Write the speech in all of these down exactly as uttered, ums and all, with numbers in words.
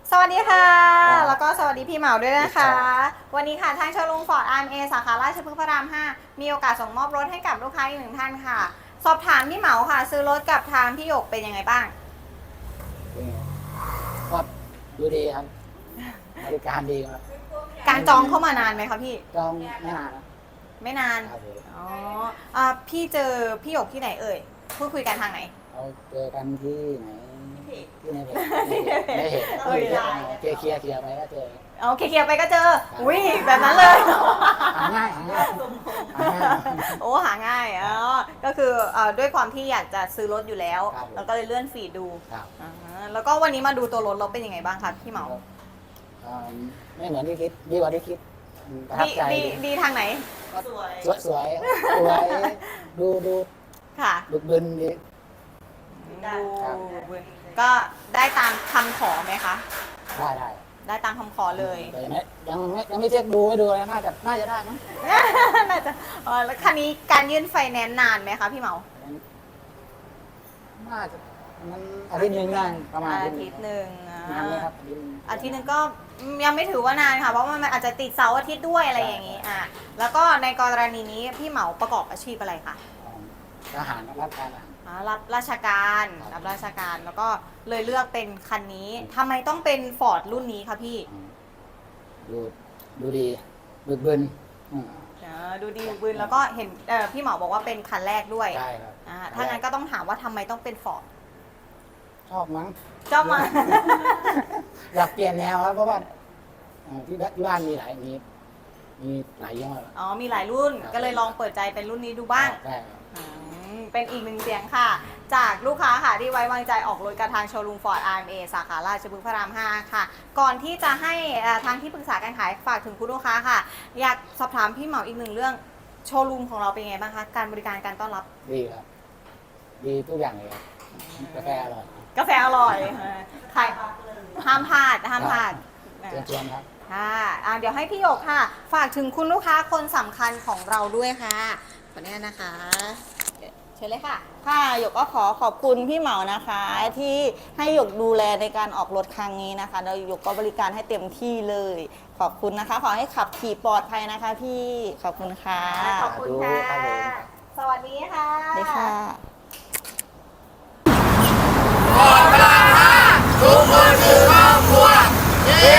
สวัสดีค่ะ แล้วก็สวัสดีพี่เหมาด้วยนะคะ วันนี้ค่ะทางโชว์รูมฟอร์ด อาร์ เอ็ม เอ สาขาราชพฤกษ์พระราม ห้า มีโอกาสส่งมอบรถให้กับลูกค้าอีกหนึ่งท่านค่ะ สอบถามพี่เหมาค่ะ ซื้อรถกับทางพี่หยกเป็นยังไงบ้างก็ดูดีครับบริการดีครับการจองเข้ามานานไหมคะพี่จองไม่นานนะไม่นานครับผมอ๋ออ่าพี่เจอพี่หยกที่ไหนเอ่ย พูดคุยกันทางไหนเราเจอกันที่ไหนที่ในเพจในเพจเออเคลียร์เคลียร์เคลียร์ไปก็เจอโอเคเคลียร์ไปก็เจอ อุ้ยแบบนั้นเลยหาง่ายหาง่ายหาง่ายโอ้หาง่ายอ๋อก็คือเอ่อด้วยความที่อยากจะซื้อรถอยู่แล้วครับผมแล้วก็เลยเลื่อนฟีดดูครับอ่าฮะแล้วก็วันนี้มาดูตัวรถเราเป็นยังไงบ้างคะพี่เหมาเอ่อไม่เหมือนที่คิดดีกว่าที่คิดประทับดีใจดีดีทางไหนสวยสวยสวยสวยดูดูค่ะบึกบึนดีดูก็ได้ตามคำขอไหมคะได้ได้ได้ตามคำขอเลยแต่ยังไม่ยังไม่ยังไม่เช็คดูไม่ดูเลยน่าจะน่าจะได้มั้งน่าจะเออแล้วคันนี้การยื่นไฟแนนซ์นานไหมคะพี่เหมาน่าจะมันอาทิตย์หนึ่งได้ประมาณอาทิตย์หนึ่งอ่นานไหมา ครับอาทิตย์หนึ่งก็ยังไม่ถือว่านานค่ะ เพราะว่ามันอาจจะติดเสาร์อาทิตย์ด้วยอะไรอย่างนี้อ่ะแล้วก็ในกรณีนี้พี่เหมาประกอบอาชีพอะไรคะทหารรับการทหารอ่ารับราชการครับรับราชการแล้วก็เลยเลือกเป็นคันนี้ทำไมต้องเป็นฟอร์ดรุ่นนี้คะพี่ดูดูดีบึกบึนอืมอ่าดูดีบึนแล้วก็เห็นเอ่อพี่เหมาบอกว่าเป็นคันแรกด้วยใช่ครับอ่าถ้างั้นก็ต้องถามว่าทำไมต้องเป็นฟอร์ดชอบมั้งเจ้ามาอยากเปลี่ยนแนวครับเพราะว่าเอ่อที่บ้านมีหลายมีมีหลายยี่ห้ออ๋อมีหลายรุ่นครับก็เลยลองเปิดใจเป็นรุ่นนี้ดูบ้างใช่ครับอืมเป็นอีกหนึ่งเสียงค่ะ จากลูกค้าค่ะที่ไว้วางใจออกรถกับทางโชว์รูมฟอร์ด อาร์ เอ็ม เอ สาขาราชพฤกษ์พระราม ห้า ค่ะ ก่อนที่จะให้เอ่อทางที่ปรึกษาการขายฝากถึงคุณลูกค้าค่ะ อยากสอบถามพี่เหมาอีกหนึ่งเรื่องโชว์รูมของเราเป็นยังไงบ้างคะการบริการการต้อนรับดีครับ ดีทุกอย่างเลยครับกาแฟอร่อยกาแฟอร่อยเออใครห้ามพลาดห้ามพลาดเชิญชวนครับค่ะอ่าเดี๋ยวให้พี่หยกค่ะ ฝากถึงคุณลูกค้าคนสำคัญของเราด้วยค่ะขออนุญาตนะคะเชิญเลยค่ะค่ะหยกก็ขอขอบคุณพี่เหมานะคะ ที่ให้หยกดูแลในการออกรถครั้งนี้นะคะแล้วหยกก็บริการให้เต็มที่เลย ขอบคุณนะคะ ขอให้ขับขี่ปลอดภัยนะคะพี่ขอบคุณค่ะขอบคุณค่ะสวัสดีค่ะสวัสดีค่ะทุกคนคือครอบครัวเย้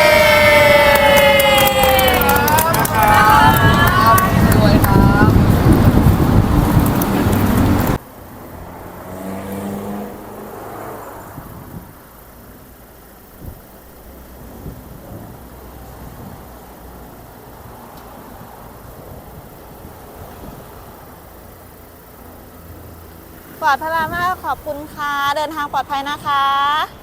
ครับรวยครับปลอดพระรามห้าขอบคุณค่ะ เดินทางปลอดภัยนะคะ